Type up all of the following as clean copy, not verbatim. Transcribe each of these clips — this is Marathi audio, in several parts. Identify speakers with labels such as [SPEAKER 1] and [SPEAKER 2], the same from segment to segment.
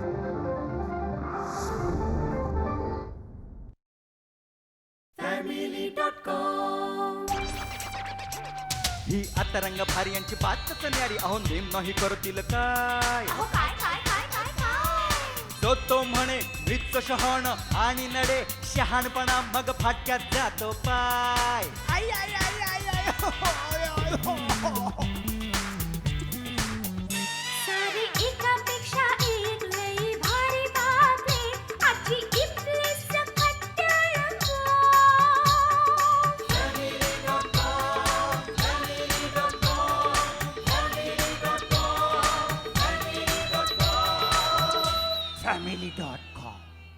[SPEAKER 1] ही आता रंग भारी यांची बातच न्यारी. अहो नेम नाही करतील काय. जो तो म्हणे मृत शहाण आणि नडे शहाणपणा मग फाटक्यात जातो पाय. आई आई आई आई आई हो, आय, आय, हो, हो.
[SPEAKER 2] सारी एकापेक्षा एक लई भारी बातमी आजची इथली सकट रंगो.
[SPEAKER 1] family.com.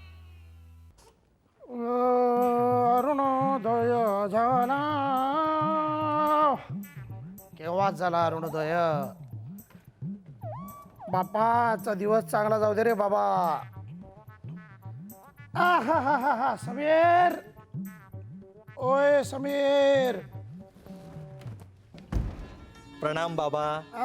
[SPEAKER 3] अरुणोदय झाला. केव्हाच झाला अरुणोदय. बापाचा दिवस चांगला जाऊ दे रे बाबा. हा समीर, ओय समीर.
[SPEAKER 4] प्रणाम बाबा.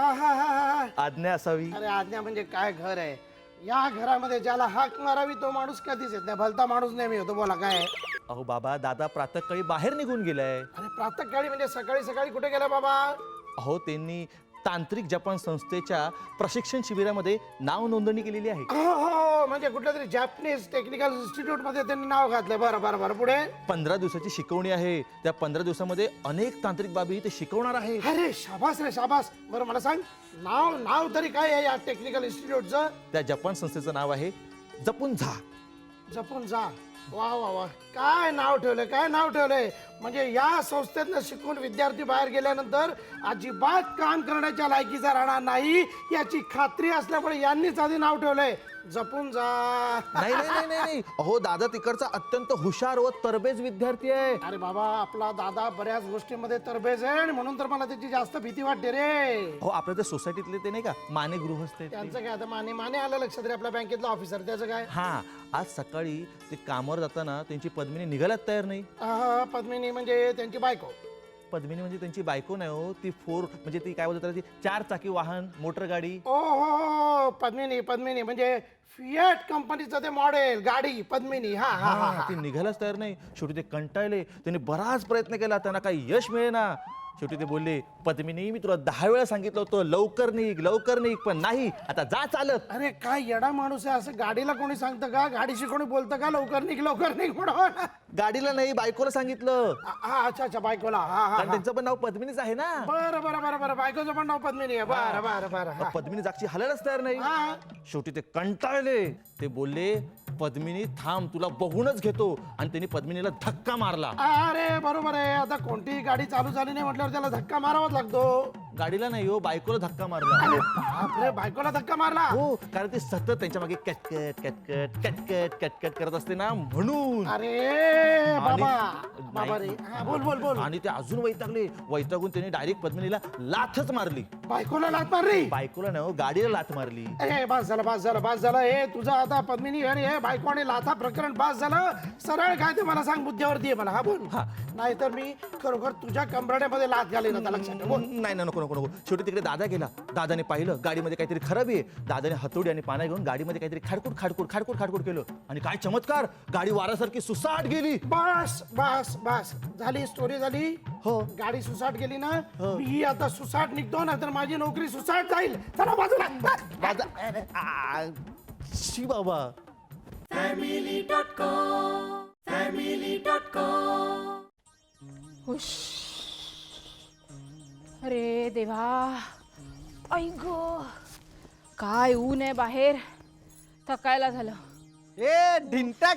[SPEAKER 3] आहा,
[SPEAKER 4] आज्ञा असावी.
[SPEAKER 3] अरे आज्ञा म्हणजे काय घर आहे या घरामध्ये. ज्याला हाक मारावी तो माणूस कधीच येत नाही. भलता माणूस नेहमी होतो. बोला काय आहे?
[SPEAKER 4] अहो बाबा, दादा प्रातःकाळी बाहेर निघून गेलाय.
[SPEAKER 3] अरे प्रातःकाळी म्हणजे सकाळी सकाळी कुठे गेला बाबा?
[SPEAKER 4] अहो त्यांनी तांत्रिक जपान संस्थेच्या प्रशिक्षण शिबिरामध्ये नाव नोंदणी केलेली आहे.
[SPEAKER 3] हो म्हणजे कुठल्या तरी जॅपनीज टेक्निकल इन्स्टिट्यूट मध्ये त्यांनी नाव घातलंय. बरं बरं बरं, पुढे?
[SPEAKER 4] 15 दिवसाची शिकवणी आहे. त्या 15 दिवसामध्ये अनेक तांत्रिक बाबी ते शिकवणार आहे.
[SPEAKER 3] अरे शाबास रे शाबास. बरं मला सांग, नाव तरी काय आहे या टेक्निकल इन्स्टिट्यूटचं?
[SPEAKER 4] त्या जपान संस्थेचं नाव आहे जपून झा.
[SPEAKER 3] जपून जा. वा वा वा, काय नाव ठेवलंय, काय नाव ठेवलंय. म्हणजे या संस्थेतनं शिकून विद्यार्थी बाहेर गेल्यानंतर अजिबात काम करण्याच्या लायकीचा राहणार नाही याची खात्री असल्यामुळे यांनीच आधी नाव ठेवलंय जपून जा.
[SPEAKER 4] नाही नाही नाही नाही. अहो दादा तिकडचा अत्यंत हुशार व तरबेज विद्यार्थी आहे.
[SPEAKER 3] अरे बाबा, आपला दादा बऱ्याच गोष्टींमध्ये तरबेज आहे आणि म्हणून तर मला त्याची जास्त भीती वाटते रे.
[SPEAKER 4] अहो आपल्या त्या सोसायटीतले ते नाही का माने गृहस्थ आहेत
[SPEAKER 3] त्यांचं
[SPEAKER 4] ते.
[SPEAKER 3] काय आता माने आलं लक्षात रे, आपल्या बँकेतला ऑफिसर. त्याचं काय?
[SPEAKER 4] हा, आज सकाळी ते कामावर जाताना त्यांची पद्मिनी निघायलाच तयार नाही.
[SPEAKER 3] पद्मिनी म्हणजे त्यांची बायको?
[SPEAKER 4] पद्मिनी म्हणजे त्यांची बायको नाही हो, ती म्हणजे ती काय बोलतात ती 4 चाकी वाहन, मोटर गाडी.
[SPEAKER 3] ओ हो, पद्मिनी म्हणजे फिएट कंपनीचं ते मॉडेल गाडी पद्मिनी. हा हा हा.
[SPEAKER 4] ती निघायलाच तयार नाही. शेवटी ते कंटाळले. त्यांनी बराच प्रयत्न केला, त्यांना काही यश मिळेना. शेवटी ते बोलले, पद्मिनी मी तुला 10 वेळा सांगितलं होतं लवकर निघ, पण नाही. आता जा चालत.
[SPEAKER 3] अरे काय येडा माणूस आहे. असं गाडीला कोणी सांगतं का? गाडीशी कोणी बोलतं का लवकर निघ म्हणून?
[SPEAKER 4] गाडीला नाही, बायकोला सांगितलं.
[SPEAKER 3] हा अच्छा बायकोला. हा हा
[SPEAKER 4] कारण त्यांचं पण नाव पद्मिनीच आहे ना.
[SPEAKER 3] बरं बायकोचं पण नाव पद्मिनी आहे. बरं.
[SPEAKER 4] पद्मिनी जागची हलायलाच तयार नाही.
[SPEAKER 3] हा.
[SPEAKER 4] शेवटी ते कंटाळले. ते बोलले, पद्मिनी थांब, तुला बघूनच घेतो. आणि त्यांनी पद्मिनीला धक्का मारला.
[SPEAKER 3] अरे बरोबर आहे. आता कोणतीही गाडी चालू झाली नाही म्हटल्यावर त्याला धक्का मारावाच लागतो.
[SPEAKER 4] गाडीला नाही हो, बायकोला धक्का मारला.
[SPEAKER 3] अरे बापरे, बायकोला धक्का मारला?
[SPEAKER 4] हो, कारण ते सतत त्यांच्या मागे कटकट करत असते ना, म्हणून.
[SPEAKER 3] अरे बाबा
[SPEAKER 4] नाही.
[SPEAKER 3] रे. हा, बोल.
[SPEAKER 4] आणि ते अजून वैतागून त्यांनी डायरेक्ट पद्मिनीला लाथच मारली.
[SPEAKER 3] बायकोला लाथ मारली?
[SPEAKER 4] बायकोला नाही हो, गाडीला लाथ मारली.
[SPEAKER 3] अरे बास झालं. हे तुझं आता पद्मिनी आणि हे बायको आणि लाथा प्रकरण बास झालं. सरळ काय ते मला सांग, बुद्ध्यावरती आहे मला. हा बोल. नाहीतर मी खरोखर तुझ्या कंबरड्यामध्ये लाथ घालीन आता, लक्षात ठेव. बोल.
[SPEAKER 4] नाही नको. शेवटी तिकडे दादा गेला. दादाने पाहिलं गाडीमध्ये काहीतरी खराबी आहे. दादाने हतोडी आणि पाना घेऊन गाडीमध्ये काहीतरी खाडकूड केलं. आणि काय चमत्कार, गाडी वारासारखी सुसाट गेली.
[SPEAKER 3] बस झाली, स्टोरी झाली.
[SPEAKER 4] हो.
[SPEAKER 3] गाडी सुसाट गेली ना, मी आता सुसाट निघतो ना, तर माझी नोकरी सुसाट जाईल. चला बाजूला.
[SPEAKER 4] शी बाबा.
[SPEAKER 5] हुश. अरे देवा, आई गो, काय ऊन आहे बाहेर. थकायला झालं.
[SPEAKER 6] ए ढिंटाक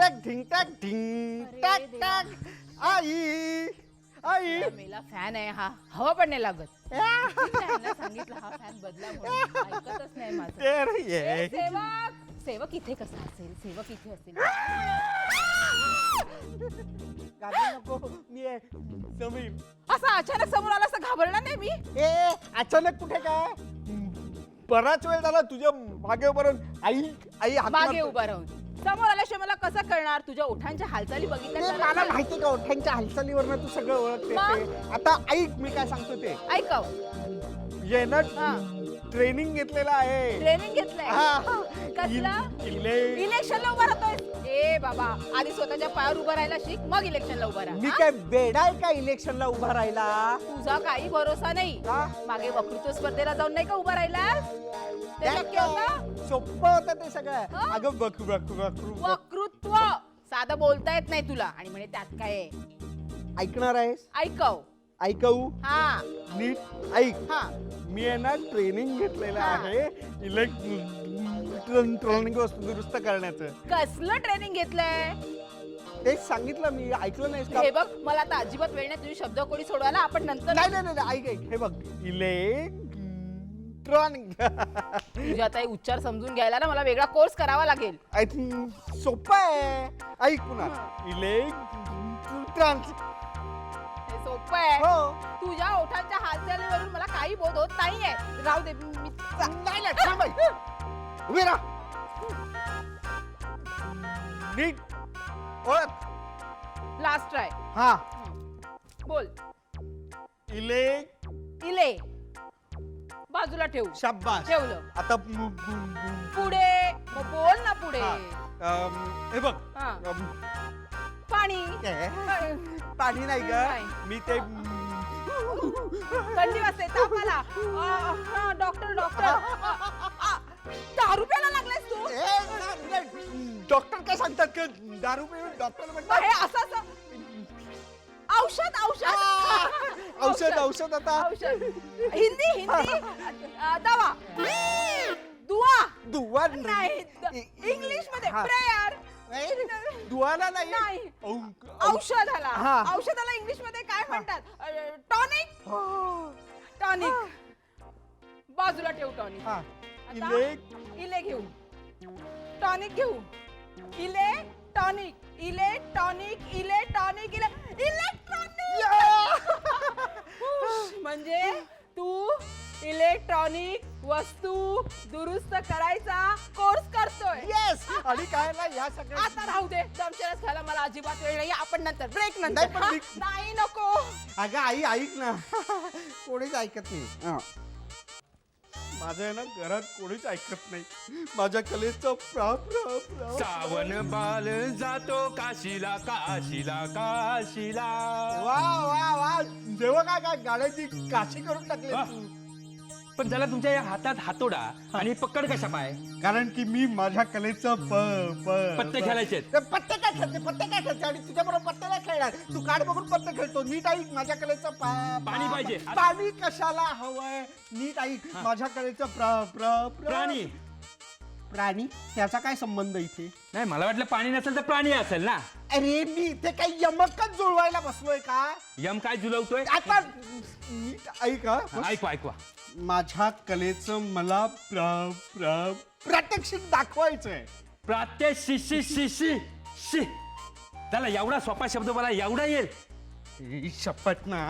[SPEAKER 6] आई
[SPEAKER 5] मेला फॅन आहे हा, हवा पण नाही लागत. त्यांना सांगितलं हा फॅन बदला म्हणून, ऐकतच नाही माझं. ए, सेवक इथे कसा असेल? सेवक इथे असेल.
[SPEAKER 6] नको मी आहे समीर.
[SPEAKER 5] असं अचानक समोर आला असं घाबरणार नाही मी.
[SPEAKER 6] ए अचानक कुठे काय, बराच वेळ झाला तुझ्या मागे उभं राहून. आई हाक
[SPEAKER 5] मागे
[SPEAKER 6] मारते.
[SPEAKER 5] उभा राहून समोर आल्याशिवाय मला कसं कळणार? तुझ्या ओठांच्या हालचाली
[SPEAKER 6] ए,
[SPEAKER 5] बघितल्या
[SPEAKER 6] मला माहिती का ओठांच्या हालचालीवर तू सगळं ओळखते ते. आता ऐक मी काय सांगतो ते.
[SPEAKER 5] ऐकव.
[SPEAKER 6] येणं
[SPEAKER 5] हा.
[SPEAKER 6] ट्रेनिंग घेतलेलं आहे.
[SPEAKER 5] ट्रेनिंग घेतलंय.
[SPEAKER 6] हा.
[SPEAKER 5] का कसला
[SPEAKER 6] इले-
[SPEAKER 5] इलेक्शनला उभा राहतोय? ए बाबा, आधी स्वतःच्या पायावर उभा राहायला शिक, मग इलेक्शनला उभा राहा.
[SPEAKER 6] मी
[SPEAKER 5] हा?
[SPEAKER 6] काय बेडा आहे का इलेक्शनला उभा राहिला?
[SPEAKER 5] तुझा काही भरोसा नाही.
[SPEAKER 6] का?
[SPEAKER 5] मागे वक्तृत्व स्पर्धेला जाऊन नाही का उभा राहिलास? ते शक्य होतं?
[SPEAKER 6] सोपं होतं ते सगळं.
[SPEAKER 5] हा?
[SPEAKER 6] अगं बघ
[SPEAKER 5] वक्तृत्व साधं बोलता येत नाही तुला, आणि म्हणे त्यात काय आहे?
[SPEAKER 6] ऐकणार आहेस?
[SPEAKER 5] ऐकव.
[SPEAKER 6] ऐकवू?
[SPEAKER 5] हा
[SPEAKER 6] नीट ऐक.
[SPEAKER 5] हा
[SPEAKER 6] मी आहे ना ट्रेनिंग घेतलेलं
[SPEAKER 5] हा.
[SPEAKER 6] आहे इलेक्ट्रॉनिक वस्तू दुरुस्त करण्याचं.
[SPEAKER 5] कसलं ट्रेनिंग घेतलंय?
[SPEAKER 6] तेच सांगितलं मी, ऐकलं नाहीस का?
[SPEAKER 5] हे बघ, मला आता अजिबात वेळ नाही तुझी शब्दकोडी सोडवायला. आपण नंतर
[SPEAKER 6] नाही नाही नाही, ऐक ऐक, हे बघ इलेक्ट्रॉनिक
[SPEAKER 5] तुझ्या आता हे उच्चार समजून घ्यायला ना मला वेगळा कोर्स करावा लागेल.
[SPEAKER 6] आय थिंक सोपं आहे. ऐक पुन्हा इलेक्ट्रॉनिक.
[SPEAKER 5] हे सोपं आहे.
[SPEAKER 6] हो.
[SPEAKER 5] तुझ्या ओठांच्या हालचालीवरून मला काही बोध होत नाहीये. राहू दे, मी
[SPEAKER 6] नाही नाही, थांब ऐक. उभी राहा. नीट ओळख.
[SPEAKER 5] Last try.
[SPEAKER 6] हा.
[SPEAKER 5] बोल.
[SPEAKER 6] इले
[SPEAKER 5] इले. बाजूला ठेवू.
[SPEAKER 6] शाबास.
[SPEAKER 5] ठेवलं.
[SPEAKER 6] आता
[SPEAKER 5] पुढे. मग बोल ना पुढे.
[SPEAKER 6] हे बघ.
[SPEAKER 5] हा. पाणी.
[SPEAKER 6] पाणी नाही
[SPEAKER 5] नाही.
[SPEAKER 6] ग, मी ते
[SPEAKER 5] थंडी वाजते, ताप आला. Doctor doctor. 10 रुपयाला लागलायस तू?
[SPEAKER 6] डॉक्टर काय सांगतात का दारू पिऊन डॉक्टर
[SPEAKER 5] मग
[SPEAKER 6] म्हणतात
[SPEAKER 5] हे असं औषध औषध
[SPEAKER 6] औषध औषध आता
[SPEAKER 5] औषध. हिंदी हिंदी. दवा. दुआ.
[SPEAKER 6] दुवा
[SPEAKER 5] नाही. इंग्लिश मध्ये
[SPEAKER 6] हा.
[SPEAKER 5] प्रेयर.
[SPEAKER 6] दुवाला नाही
[SPEAKER 5] नाही. औषधाला.
[SPEAKER 6] हा.
[SPEAKER 5] औषधाला इंग्लिश मध्ये काय म्हणतात? टॉनिक. टॉनिक. बाजूला ठेव टॉनिक.
[SPEAKER 6] हा.
[SPEAKER 5] आता इले घेऊ. टॉनिक घेऊ. इले टॉनिक. इले टॉनिक. इले टॉनिक. इले इलेक्ट्रॉनिक. म्हणजे तू इलेक्ट्रॉनिक वस्तू दुरुस्त करायचा कोर्स करतोय.
[SPEAKER 6] येस. आणि काय ना या सगळ्या
[SPEAKER 5] आता राहू दे, दमशरास खायला मला अजिबात वेळ नाही. आपण नंतर ब्रेक
[SPEAKER 6] नाही,
[SPEAKER 5] नंतर.
[SPEAKER 6] पण
[SPEAKER 5] हा?
[SPEAKER 6] मी-
[SPEAKER 5] नाही नको.
[SPEAKER 6] अगं आई ऐक ना. कोणीच ऐकत नाही. माझं आहे ना घरात कोणीच ऐकत नाही. माझ्या कलेचं
[SPEAKER 7] सावन बाल जातो काशीला काशीला काशीला.
[SPEAKER 6] वा वा वा. जेव्हा काय काय गाड्याची काशी करून टाकली
[SPEAKER 7] वा.
[SPEAKER 6] तू.
[SPEAKER 7] पण त्याला तुमच्या या हातात हातोडा आणि पकड कशा पाय
[SPEAKER 6] कारण की मी माझ्या कलेचं
[SPEAKER 7] पत्ते खेळायचे आहेत.
[SPEAKER 6] ते पत्ते काय खेळते आणि तुझ्या बरोबर पत्ते नाही खेळणार. तू कार्ड बघून पत्ते खेळतो. नीट ऐक माझ्या कलेचं
[SPEAKER 7] पाणी पाहिजे.
[SPEAKER 6] पाणी कशाला हवंय? नीट ऐक माझ्या कलेचं
[SPEAKER 7] प्राणी.
[SPEAKER 6] प्राणी त्याचा काय संबंध इथे?
[SPEAKER 7] नाही, मला वाटलं पाणी नसेल तर प्राणी असेल ना.
[SPEAKER 6] अरे मी इथे काही यमकच जुळवायला बसलोय का?
[SPEAKER 7] यम काय जुलवतोय?
[SPEAKER 6] आता नीट ऐक हा.
[SPEAKER 7] ऐकवा ऐकवा.
[SPEAKER 6] माझ्या कलेचं मला प्रात्यक्षिक दाखवायचंय.
[SPEAKER 7] प्रात्यक्षिक शिशी शी. त्याला एवढा सोपा शब्द मला एवढा येईल?
[SPEAKER 6] शपथ ना.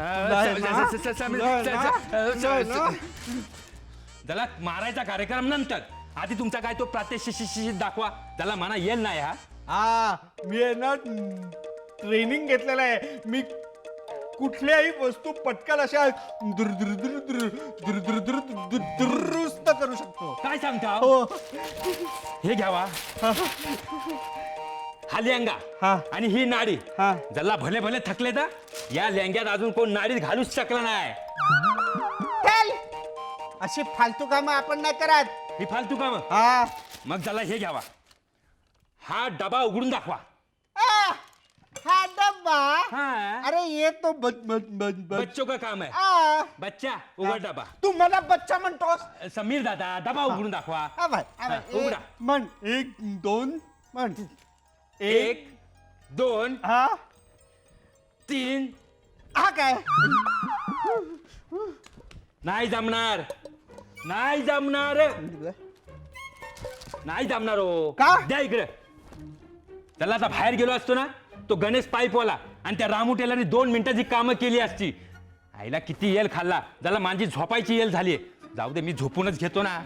[SPEAKER 7] त्याला मारायचा कार्यक्रम नंतर. आधी तुमचा काय तो प्रात्यक्षिक दाखवा. त्याला म्हणा येईल नाही हा.
[SPEAKER 6] हा मी आहे ना ट्रेनिंग घेतलेलं आहे. मी कुठल्याही वस्तू पटकन अशा दुरुस्त करू शकतो.
[SPEAKER 7] काय सांगता?
[SPEAKER 6] हो.
[SPEAKER 7] हे घ्यावा. हा लेंगा
[SPEAKER 6] हा.
[SPEAKER 7] आणि ही नाडी.
[SPEAKER 6] हा.
[SPEAKER 7] ज्याला भले भले थकले तर या लेंग्यात अजून कोण नाडीत घालूच शकला नाही.
[SPEAKER 6] चल अशी फालतू कामं आपण नाही करत.
[SPEAKER 7] ही फालतू काम.
[SPEAKER 6] हा.
[SPEAKER 7] मग त्याला हे घ्यावा. हा डबा उघडून दाखवा.
[SPEAKER 6] हा डब्बा.
[SPEAKER 7] हा.
[SPEAKER 6] अरे ये तो
[SPEAKER 7] बच्चों का काम है. बच्चा उघड डबा.
[SPEAKER 6] तू मला बच्चा म्हणतोस?
[SPEAKER 7] समीर दादा डबा उघडून दाखवा.
[SPEAKER 6] हा बाय, हा बाय.
[SPEAKER 7] हा, उघडा.
[SPEAKER 6] म्हण 1 2 म्हण.
[SPEAKER 7] 1 2
[SPEAKER 6] हा
[SPEAKER 7] 3.
[SPEAKER 6] हा काय?
[SPEAKER 7] नाही जमणार. नाही जमणार. नाही जमणार हो.
[SPEAKER 6] का?
[SPEAKER 7] द्या इकडे. त्याला आता बाहेर गेलो असतो ना, तो गणेश पाईपवाला आणि त्या रामू टेलरने 2 मिनिटाची कामं केली असती. आईला किती येल खाल्ला. त्याला माझी झोपायची येल झाली. जाऊ दे, मी झोपूनच घेतो ना.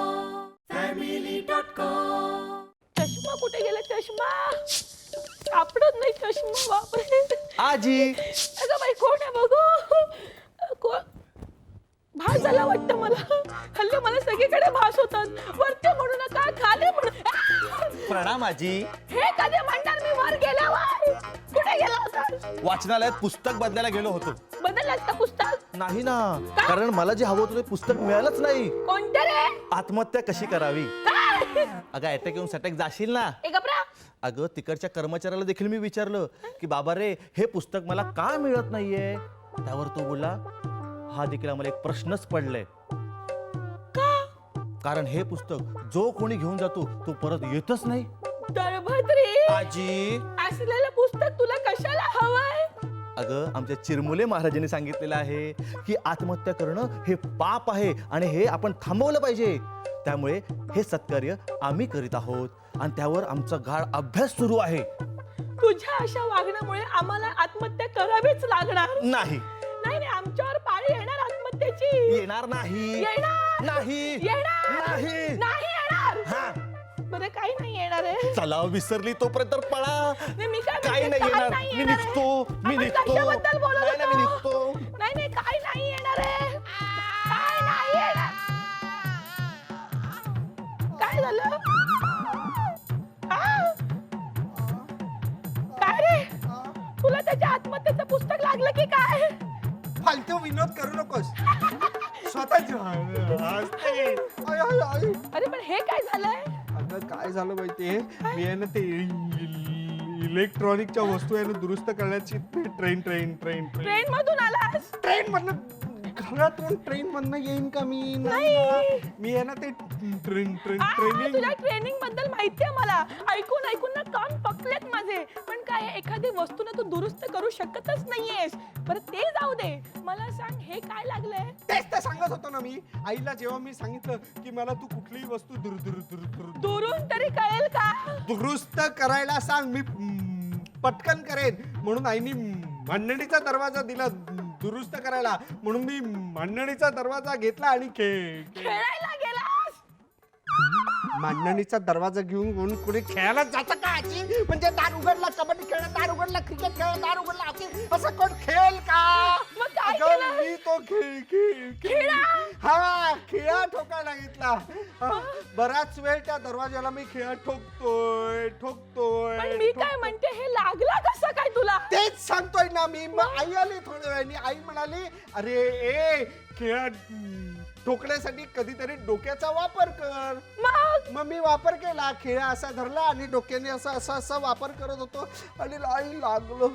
[SPEAKER 5] चष्मा कुठे गेला? चष्मा. सापडत नाही चष्मा. बापरे.
[SPEAKER 4] आजी
[SPEAKER 5] अगं बाई कोण आहे बघू. कोण भास झाला वाटतं मला. हल्ली मला सगळीकडे भास होतात. वरती म्हणू नका खाली म्हणू.
[SPEAKER 4] प्रणाम आजी.
[SPEAKER 5] हे कधी म्हणणार मी वर गेल्यावर. कुठे गेला होता.
[SPEAKER 4] वाचनालयात पुस्तक बदलायला गेलो होतो.
[SPEAKER 5] बदललास का पुस्तक.
[SPEAKER 4] नाही ना, कारण मला जे हवं होतं ते पुस्तक मिळालंच नाही.
[SPEAKER 5] कोणतं रे.
[SPEAKER 4] आत्महत्या कशी करावी.
[SPEAKER 5] काय.
[SPEAKER 4] अगं अटॅक येऊन सटॅक जाशील ना.
[SPEAKER 5] ए गप्रा.
[SPEAKER 4] अगं तिकडच्या कर्मचाऱ्याला देखील मी विचारलं की बाबा रे हे पुस्तक मला का मिळत नाहीये. त्यावर तो बोलला हा देखील आम्हाला एक प्रश्नच पडलाय. कारण हे पुस्तक जो कोणी घेऊन जातो तो परत येतच नाही.
[SPEAKER 5] दळभद्री.
[SPEAKER 4] आजी
[SPEAKER 5] असलेलं पुस्तक तुला कशाला हवंय.
[SPEAKER 4] अगं आमच्या चिरमुले महाराजांनी सांगितलेलं आहे की आत्महत्या करणं हे पाप आहे आणि हे आपण थांबवलं पाहिजे. त्यामुळे हे सत्कार्य आम्ही करीत आहोत आणि त्यावर आमचा गाढ अभ्यास सुरू आहे.
[SPEAKER 5] तुझ्या अशा वागण्यामुळे आम्हाला आत्महत्या करावीच लागणार.
[SPEAKER 4] नाही
[SPEAKER 5] नाही नाही आमच्यावर पाळी येणार आत्महत्येची.
[SPEAKER 4] येणार नाही.
[SPEAKER 5] येणार.
[SPEAKER 4] नाही
[SPEAKER 5] येणार.
[SPEAKER 4] नाही.
[SPEAKER 5] नाही येणार.
[SPEAKER 4] हा
[SPEAKER 5] बरं काही नाही येणार आहे.
[SPEAKER 4] चला विसरली तोपर्यंत पळा.
[SPEAKER 5] नाही, मी काय
[SPEAKER 4] काही
[SPEAKER 5] म्हणते,
[SPEAKER 4] नाही
[SPEAKER 5] काय
[SPEAKER 4] येणार.
[SPEAKER 5] नाही
[SPEAKER 4] मी
[SPEAKER 5] येणार आहे.
[SPEAKER 4] निघतो. मी
[SPEAKER 5] आपण
[SPEAKER 4] निघतो.
[SPEAKER 5] कशाबद्दल बोलत
[SPEAKER 4] नाही ना, मी
[SPEAKER 5] होतो?
[SPEAKER 4] निघतो.
[SPEAKER 5] नाही नाही काय नाही येणार आहे. काय नाही येणार. काय झालं. हा? काय रे तुला त्याच्या आत्महत्येचं पुस्तक लागलं की काय.
[SPEAKER 6] फालतू विनोद करू नकोस. स्वतःच हसते. आय, आय, आय.
[SPEAKER 5] अरे पण हे काय झालंय.
[SPEAKER 6] अगं काय झालं माहितीये मी आहे ना ते इलेक्ट्रॉनिकच्या वस्तू आहे ना दुरुस्त करण्याची ट्रेन
[SPEAKER 5] ट्रेन मधून आलास.
[SPEAKER 6] मधनं घरातून ट्रेन मधनं येईन का मी. नाही ना. मी आहे ना ते ट्रेनिंग.
[SPEAKER 5] तुझ्या ट्रेनिंग बद्दल माहितीये मला. ऐकून ऐकून ना कान पकलेत माझे. पण काय एखादी वस्तू ना तू दुरुस्त करू शकतच नाहीयेस. बरं ते जाऊ दे. मला सांग हे काय लागलंय.
[SPEAKER 6] तेच तर सांगत होतो ना मी आईला जेव्हा मी सांगितलं की मला तू कुठलीही वस्तू
[SPEAKER 5] दुरून तरी कळेल का.
[SPEAKER 6] दुरुस्त करायला सांग मी पटकन करेन. म्हणून आईनी मांडणीचा दरवाजा दिला दुरुस्त करायला. म्हणून मी मांडणीचा दरवाजा घेतला आणि
[SPEAKER 5] खेळायला गेलास.
[SPEAKER 6] मांडणीचा दरवाजा घेऊन कोणी खेळायला जातं का आजी. म्हणजे दार उघडला कबड्डी खेळ, दार उघडला क्रिकेट खेळ, दार उघडला हॉकी, असं कोण खेळ का.
[SPEAKER 5] मग काय
[SPEAKER 6] अगं,
[SPEAKER 5] केलं?
[SPEAKER 6] मी तो
[SPEAKER 5] खिळा?
[SPEAKER 6] हा खिळा ठोकायला घेतला. बराच वेळ त्या दरवाजाला मी खिळा ठोकतोय.
[SPEAKER 5] पण मी काय म्हणते हे लागला कसं काय तुला.
[SPEAKER 6] तेच सांगतोय ना मी. मग आई आली थोड्या वेळाने. आई म्हणाली अरे ए खिळा ठोकण्यासाठी कधीतरी डोक्याचा वापर कर. मग मी वापर केला. खिळा असा धरला आणि डोक्याने असा वापर करत होतो आणि आई लागलो.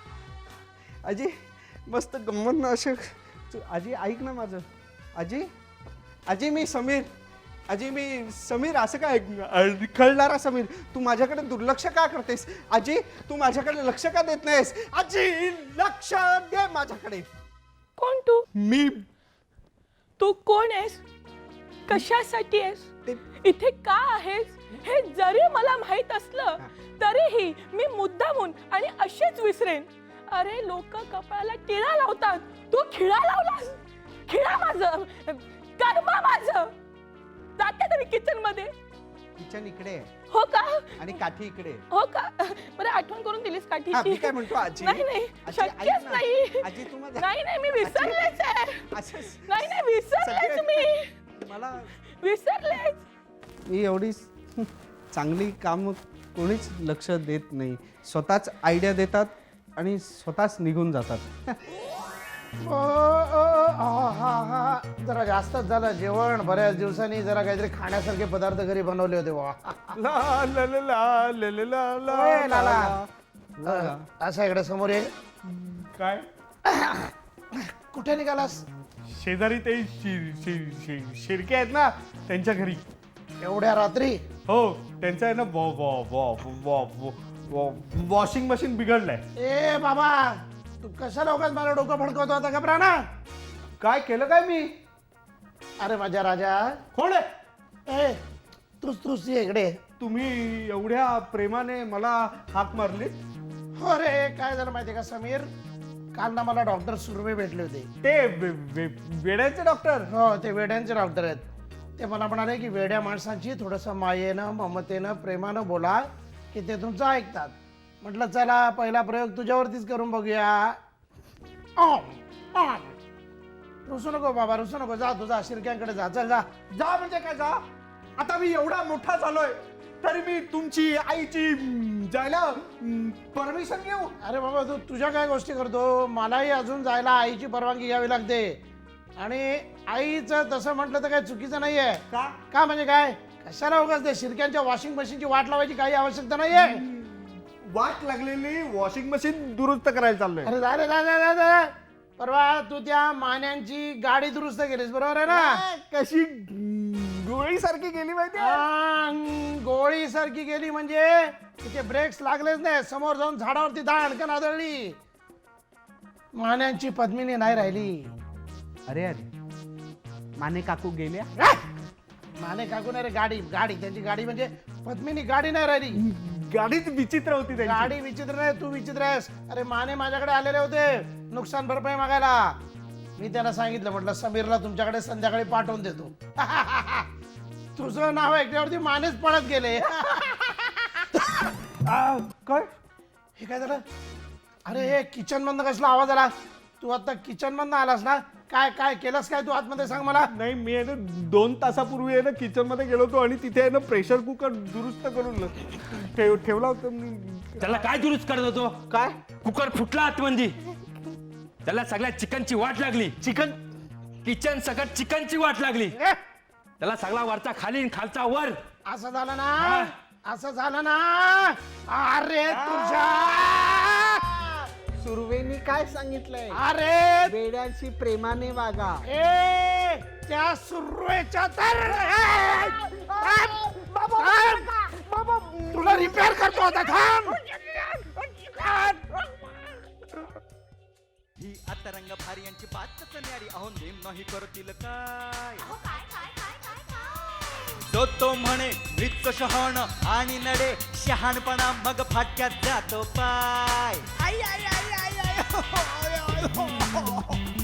[SPEAKER 6] आजी मस्त गंमत ना असे. आजी ऐक ना माझं. आजी मी समीर. मी समीर असं काय कळणारा समीर. तू माझ्याकडे दुर्लक्ष का करतेस. आजी तू माझ्याकडे लक्ष का देत नाहीस. आजी लक्ष दे माझ्याकडे.
[SPEAKER 5] कोण तू.
[SPEAKER 6] मी
[SPEAKER 5] तू कोण आहेस. कशासाठी आहेस. इथे का आहेस हे जरी मला माहित असलं तरीही मी मुद्दामून आणि असेच विसरेन. अरे लोक कपाळाला टिळा लावतात. तू खिळा लावलास. खिळा माझं कर्म माझं. जाते तरी किचन मध्ये.
[SPEAKER 6] किचन इकडे
[SPEAKER 5] हो का.
[SPEAKER 6] आणि काठी इकडे.
[SPEAKER 5] हो का. बरं आठवण करून दिलीस
[SPEAKER 6] हा,
[SPEAKER 5] काठीची.
[SPEAKER 6] मी काय म्हणतो आजी.
[SPEAKER 5] नाही नाही
[SPEAKER 6] आजी, ऐक
[SPEAKER 5] शक्यच
[SPEAKER 6] ना.
[SPEAKER 5] नाही.
[SPEAKER 6] आजी तू माझा
[SPEAKER 5] नाही मी विसरलेच आहे.
[SPEAKER 6] असंच
[SPEAKER 5] नाही विसरलेच मी.
[SPEAKER 6] मला
[SPEAKER 5] विसरलेच.
[SPEAKER 6] ही एवढी चांगली काम कोणीच लक्ष देत नाही. स्वतःच आयडिया देतात आणि स्वतःच निघून जातात.
[SPEAKER 3] जरा जास्तच झालं जेवण. बऱ्याच दिवसांनी जरा काहीतरी खाण्यासारखे पदार्थ घरी बनवले होते वा. ओय, लाला. असं इकडे समोर ये.
[SPEAKER 6] काय
[SPEAKER 3] कुठे निघालास.
[SPEAKER 6] शेजारी ते शिरके आहेत ना त्यांच्या घरी.
[SPEAKER 3] एवढ्या रात्री.
[SPEAKER 6] हो त्यांचं आहे ना वॉशिंग मशीन बिघडलंय.
[SPEAKER 3] ए बाबा तू कशा लोकांत मला डोकं फडकवतो आता. घबरा ना.
[SPEAKER 6] काय केलं काय मी.
[SPEAKER 3] अरे माझ्या राजा.
[SPEAKER 6] कोण आहे.
[SPEAKER 3] ए तूच ये इकडे.
[SPEAKER 6] तुम्ही एवढ्या प्रेमाने मला हाक मारली.
[SPEAKER 3] हो रे काय झालं माहितीये का समीर. काल ना मला डॉक्टर सुर्वे भेटले होते.
[SPEAKER 6] ते वेड्याचे डॉक्टर.
[SPEAKER 3] हो ते वेड्यांचे डॉक्टर आहेत. ते मला म्हणाले की वेड्या माणसांची थोडंसं मायेनं ममतेनं प्रेमानं बोला की ते तुमचं ऐकतात. म्हटलं चला पहिला प्रयोग तुझ्यावरतीच करून बघूया. ऑम, ऑम. रुसू नको बाबा, रुसू नको. जा तुझा शिरक्यांकडे जा. चल जा.
[SPEAKER 6] जा म्हणजे काय जा? आता मी एवढा मोठा झालोय तरी मी तुमची आईची जायला परमिशन घेऊ?
[SPEAKER 3] अरे बाबा तू तुझ्या काय गोष्टी करतो. मलाही अजून जायला आईची परवानगी घ्यावी लागते. आणि आईचं तसं म्हटलं तर काही चुकीचं नाहीये.
[SPEAKER 6] का?
[SPEAKER 3] का म्हणजे काय, कशाला उगाच ते शिरक्यांच्या वॉशिंग मशीनची वाट लावायची काही आवश्यकता नाहीये.
[SPEAKER 6] वाट लागलेली वॉशिंग मशीन दुरुस्त करायला चाललोय.
[SPEAKER 3] अरे जा रे, जा जा जा जा. परवा तू त्या मान्यांची गाडी दुरुस्त केलीस बरोबर आहे ना.
[SPEAKER 6] कशी गोळी सारखी गेली माहिती?
[SPEAKER 3] गोळी सारखी गेली म्हणजे तिथे ब्रेक्स लागलेच नाही. समोर जाऊन झाडावरती दाणकन आदळली. मान्यांची पद्मिनी नाही राहिली.
[SPEAKER 6] अरे अरे माने काकू गेल्या?
[SPEAKER 3] माने काकू नाही रे, गाडी गाडी त्यांची गाडी म्हणजे पद्मिनी गाडी नाही राहिली.
[SPEAKER 6] गाडीच विचित्र होती त्यांची.
[SPEAKER 3] गाडी विचित्र नाही, तू विचित्र आहेस. अरे माने माझ्याकडे आलेले होते नुकसान भरपाई मागायला. मी त्यांना सांगितलं, म्हटलं समीरला तुमच्याकडे संध्याकाळी पाठवून देतो. तुझं नाव ऐकल्यावरती मानेच पळत गेले.
[SPEAKER 6] काय
[SPEAKER 3] हे काय झालं? अरे हे किचन मधनं कसला आवाज आला? तू आता किचन मधनं आलास ना? काय काय केलंस काय तू आतमध्ये, सांग मला.
[SPEAKER 6] नाही मी आहे ना 2 तासापूर्वी आहे ना किचन मध्ये गेलो होतो आणि तिथे आहे ना प्रेशर कुकर दुरुस्त करून ठेवला होता मी.
[SPEAKER 7] त्याला काय दुरुस्त करत होतो?
[SPEAKER 6] काय?
[SPEAKER 7] कुकर फुटला आतमध्ये. त्याला सगळ्या चिकनची वाट लागली.
[SPEAKER 6] चिकन?
[SPEAKER 7] किचन सकट चिकनची वाट लागली.
[SPEAKER 3] ए,
[SPEAKER 7] त्याला सगळा वरचा खाली आणि खालचा वर.
[SPEAKER 3] असं झालं ना, असं झालं ना. अरे तुझ्या,
[SPEAKER 6] सुर्वेनी काय सांगितलंय?
[SPEAKER 3] अरे
[SPEAKER 6] वेड्यांशी प्रेमाने वागा.
[SPEAKER 3] ए त्या सुरवेच्या तर तुला रिपेअर करतो आता, थांब.
[SPEAKER 1] ही आता रंग भारी यांची बातच न्यारी. अहो नेम नाही करतील काय. जो तो म्हणे मृत शहाण आणि नडे शहाणपणा मग फाटक्यात जातो पाय. आई आई आई आई आई हो, हो, हो, हो, हो.